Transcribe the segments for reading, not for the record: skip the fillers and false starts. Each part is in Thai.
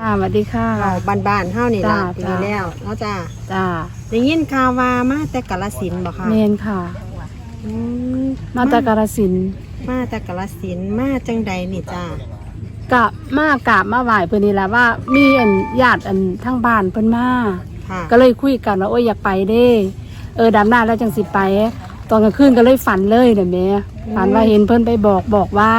สวัสดีค่ะบ้านเฮานี่ล่ะปีจ้าแล้วเนาะจ้าจ้าได้ยินข่าวว่ามาแต่กาฬสินธุ์บ่คะเมนค่ะอืมมาจากกาฬสินธุ์มาแต่กาฬสินธุ์มาจังใดนี่จ้ากะมากราบมาไหว้เพิ่นนี่แหละว่ามีญาติทั้งบ้านเพิ่นมาค่ะก็เลยคุยกันว่าโอ้ยอยากไปเด้ดำหน้าแล้วจังสิไป ตอนกลางคืนก็เลยฝันเลยเด้อแม่ฝันว่าเห็นเพิ่นไปบอกว่า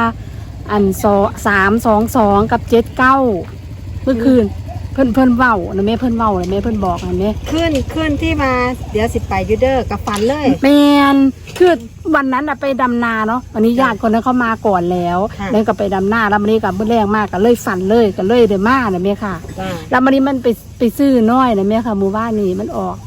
322กับ79เมื่อคืนเพิ่นเว้านะแม่เพิ่นเว้านะแม่เพิ่นบอกนะแม่ขึ้นที่มาเดี๋ยวสิไปอยูเดอร์กับฝันเลยแมนคือวันนั้นไปดำนาเนาะวันนี้ญาติคนนั้นเขามาก่อนแล้วค่ะแล้วก็ไปดำนาแล้ววันนี้กับเมื่อแรงมากก็เลยฝันเลยก็เลยเดมานะแม่ค่ะจ้าแล้ววันนี้มันไปซื้อน้อยนะแม่ค่ะหมู่บ้านนี่มันออก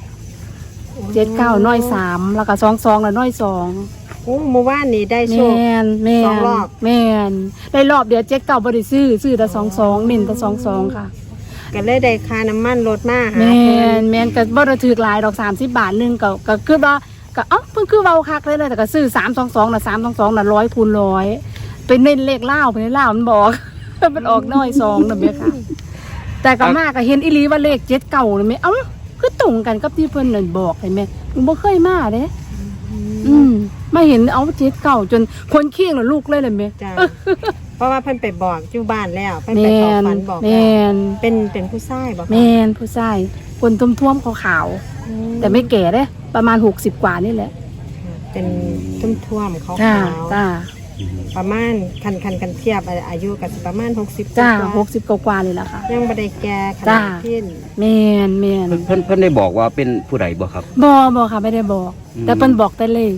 79น้อย3แล้วก็22แล้วน้อย2 โอ้เมื่อวานนี้ได้แมโชคนสองรอบแมนได้รอบเดียว79บ่ได้ซื้อแต่22เน้นแต่22ค่ะก็เลยได้ค่าน้ำมันรถมาหาแมเพิ่นแมนก็บ่ได้ถือหลายดอก30 บาทนึงก็คือว่าก็เพิ่นคือเว้าคักเลยนะแต่ก็ซื้อ322น่ะ322น่ะ100คูณ100เป็นเน้นเลขลาวไปลาวมันบอก มันออกน้อย2น่ะแม่ค่ะ แต่ก็มาก็เห็นอีหลีว่าเลข79น่ะแม่คือตรงกันกับที่เพิ่นนั่นบอกเห็นไหมบ่เคยมาเด้มาเห็น79จนคนขี้งน่ะลูกเลยแม่จ้าเพราะว่าเพิ่นไปบอกอยู่บ้านแล้วเพิ่นแมไปขอน ฝันบอกแมแล้วนเป็นผู้ชายบอกแมนผู้ชายคนท่วมๆขาวๆแต่ไม่แก่เด้ประมาณ60กว่านี่แหละเป็นท่วมๆเขาจ้าขาวจ้าประมาณคันเทียบอายุกับประมาณ60 จ้าว่า 60กว่านี่แหละค่ะยังบ่ได้แก่ขจ้านาดที่แมนเพิ่นได้บอกว่าเป็นผู้ใดบ่ครับบอค่ะไม่ได้บอก แต่เพิ่นบอกแต่เลข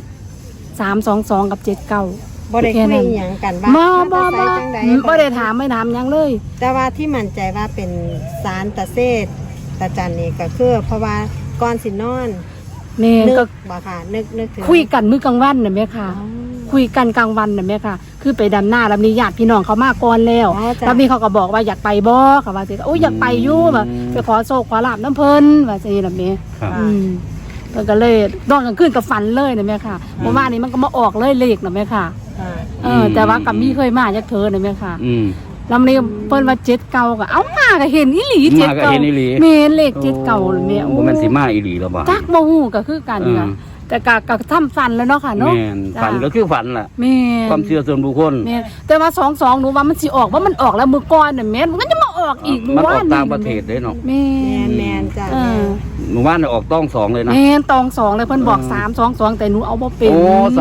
322กับ79 บ่ได้แค่คุยนั้นอหย่างกันว่าบ่มาแต่ไสจังใดบ่ได้ถามไม่ถามหยังเลยแต่ว่าที่มั่นใจว่าเป็นสารตะเซตตะจันนี่ก็คือเพราะว่าก่อนสินอนแมนนึก็กบ่ค่ะนึกถึงคุยกันมื้อกลางวันน่ะแม่ค่ะอ๋อคุยกันกลางวันน่ะแม่ค่ะ คือไปดำหน้าแล้วมีญาติพี่น้องเขามาก่อนแล้วอ๋อจ้ะแล้วมีเขาก็บอกว่าอยากไปบ่ค่ะว่าสิโอ้ยอยากไปอยู่แบบไปขอโชคขอลาบน้ำเพิ่นว่าสิล่ะแม่ครับเพิ่นก็เลยนอนกลางคืนก็ฝันเลยนะแม่ค่ะเมื่อวานนี้มันก็มาออกเลยเลขนะแม่ค่ะค่ะแต่ว่ากับมีเคยมาจากเธอนะแม่ค่ะอืมแล้วมันเพิ่นว่า7 เก่าก็เอามาก็เห็นอีหลีมา 7 ก็เก่าเห็นอีหลีแม่นเลข7 เก่าเลยแม่โอ้บ่แม่นสิมาอีหลีแล้วบ่จักบ่ฮู้ก็คือกันค่ะแต่ก็ทำฝันแล้วเนาะค่ะเนาะแม่นฝันก็คือฝันล่ะแม่นความเชื่อส่วนบุคคลแม่นแต่ว่า22หนูว่ามันสิออกว่ามันออกแล้วมื้อก่อนน่ะแม่นมันก็จะมาออกอีกมันอว่าอกต่างประเทศเด้เนาะแม่แมนจ้ะเออหมู่บ้านน่ะออกต้อง2เลยนะแม่นตอง2เลยเพิ่นบอก322แต่หนูเอาบ่เป็นโอ้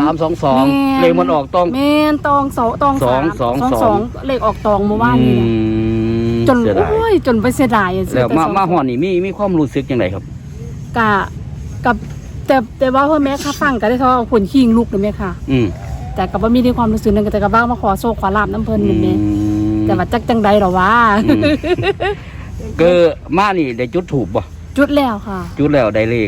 322เลขมันออกต้องแม่นตองตองเลขออกตองเมื่อวานนี้นะจนเสียดายโอ้ยจนไปเสียดายแล้วมาฮอดนี่มีความรู้สึกจังไดครับกับแต่ว่าพ่อแม่ข้าฟังก็ได้เขาเอาคนขิงลูกเลยแม่ค่ะอืมแต่ก็บ่มีในความรู้สึกนึงแต่ก็บ้างมาขอโชคขอลาบน้ำเพิ่นนี่แม่แต่ว่าจังใดหรอวะก็มานี่ได้จุดถูกบ่จุดแล้วค่ะจุดแล้วได้เลข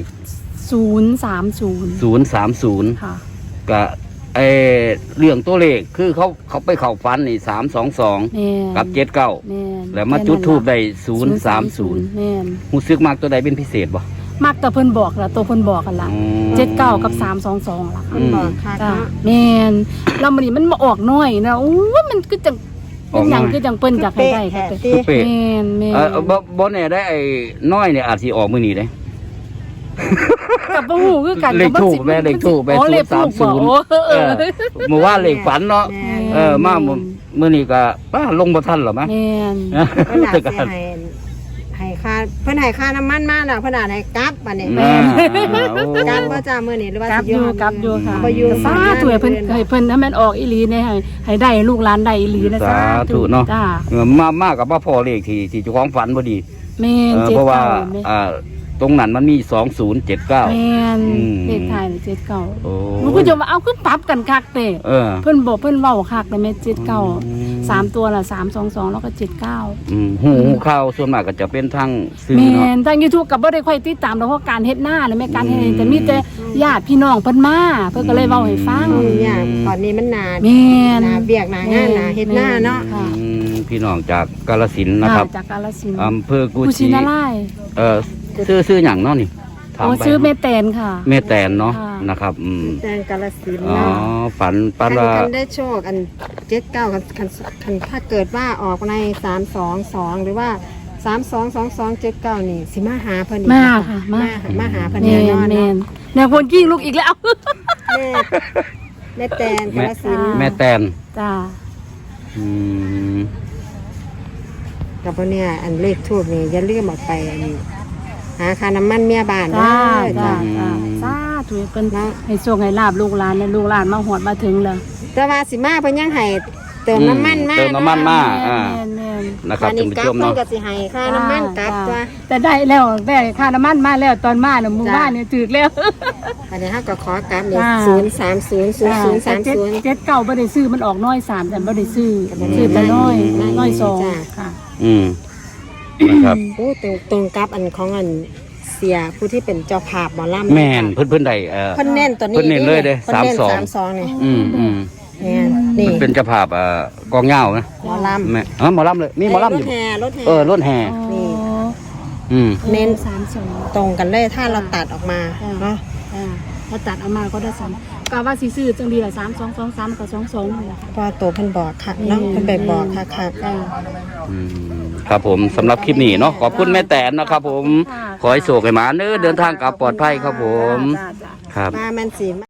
030 030 ค่ะก็เรื่องตัวเลขคือเขาไปเข้าฝันนี่322 แม่นกับ79 แม่นแล้วมาจุดทูบได้แม่น 030รู้สึกมากตัวใดเป็นพิเศษบ่มักแต่เพิ่นบอกล่ะตัวเพิ่นบอกกันล่ะอืม 79กับ322ล่ะค่ะมันบอกค่ะจ้าแม่นแล้วมันนี่มันมาออกน้อยนะโอ้ยมันคือจังเป็นหยังคือจังเปิ้นอยากให้ได้ค่ะตีคือเป๊ะแม่นแม่นบ่แน่ได้ไอ้น้อยเนี่ยอาจสิออกมื้อนี้เด้กับบ่ฮู้คือกันเลขทูปแม่เลขทูปแม่อ๋อเลขทูปบ่โอ้เออเมื่อวานเลขฝันเนาะแม่นมามื้อนี้ก็ป้าลงบ่ทันหรอมั้ยแม่นเพิ่นอาจสิให้ค่าเพิ่นให้ค่าน้ำมันมาแล้วเพิ่นอาจให้กลับบัดนี้อ่ากลับบ่จ้ามื้อนี้หรือว่ากับสิอยู่กับอยู่ค่ะบ่อยู่สาธุให้เพิ่นให้เพิ่นให้มันออกอีหลีเนี่ยให้ได้ลูกหลานได้อีหลีนะสาธุเนาะจ้ามากับบ่พอเลขที่เจ้าของฝันบ่ดีแม่นเพราะว่า 79 ตรงนั้นมันมี2079 แม่นอืมเลขท้าย79 โอ้มันก็จะว่าเอาคือปรับกันคักเตะเออเพิ่นบอกเพิ่นเว้าคักเลยแม่79 3ตัวละ322แล้วก็79 หูข่าวส่วนมากก็จะเป็นทางสื่อแม่เนาะนทาง YouTube ก็บ่ได้ค่อยติดตามดอกเพราะการเฮ็ดหน้าเลยแม่การเฮ็ดแต่มีแต่ญาติพี่น้องเพิ่นมาเพิ่นก็เลยเว้าให้ฟังเนี่ยตอนนี้มันนานแม่นนาเบียกนางานนาเฮ็ดหน้าเนาะค่ะพี่น้องจากกาฬสินธุ์นะครับจากกาฬสินธุ์อำเภอกุกุชิชินารายณ์ซื้ออย่างเนาะนี่ถามโอ้ไปชื่อแม่แตนค่ะแม่แตนเนาะค่ะนะครับแตงกาฬสินธุ์อ๋อเนาะฝันกันได้โชคอัน79กันถ้าเกิดว่าออกใน322หรือว่า 322279นี่สิมาหาเพิ่นอีกมาบ่ค่ะมาหาเพิ่นแมแน่นนอนแมเนาะนเนี่ยคนกิ้งลูกอีกแล้วแม่แม่แตนกาฬสินธุ์แม่แตนจ้าอืมกับพวกเนี่ยอันเลขทูบนี่อย่าลืมเออกไปอันหาค่าน้ำมันเมียบ้านเด้จ้าอจ้าจ้าจ้าสาธุเพิ่นให้โชคให้ลาบลูกหลานและลูกหลานมาหอดมาถึงแล้วแต่ว่าสิมาเพิ่นยังให้เติมน้ำมันมาเติมน้ำมันมาแม่อ่านแม่นนะครับอันท่านี้นผู้กลัชบมเพิ่นเนาะก็สิให้ค่าน้ำมันกลับตัวแต่ได้แล้วได้ค่าน้ำมันมาแล้วตอนมาเนี่ยหมู่บ้านเนี่ยถึกแล้วอันนี้เฮาก็ขอกลับนี่จ้า 0300030 เจ็ดเก่าบ่ได้ซื้อมันออกน้อย3แต่บ่ได้ซื้อซื้อแต่น้อยอืมน้อยสองจ้าค่ะอืมนะครับโอ้ตรงกับอันของอันเสียผู้ที่เป็นเจ้าภาพหมอลำแม่นเพิ่นใดเพิ่นเน้นตัวนี้เพิ่นเน้นเลยเด้พิ่นเน้น 32 32นี่อืมแม่นนี่เป็นเจ้าภาพกองเหย้านะหมอลำแม่หมอลำเลยมีหมอลำอยู่รถแห่รถแห่รถแห่นี่อืมเน้น 32 ตรงกันเลยถ้าเราตัดออกมาเนาะถ้าตัดเอามาก็ได้3ก็ว่าสิซื้อจังดีล่ะ3223กับ22นี่ล่ะค่ะเพราะว่าตัวเพิ่นบอกค่ะเนาะเพิ่นไปบอกค่ะค่ะจ้าอืมครับผมสำหรับคลิปนี้เนาะขอบคุณแม่แตนนะครับผมค่ะขอให้โชคให้หมาเด้อเดินทางกลับปลอดภัยครับผมจ้าจ้าครับมามันสิ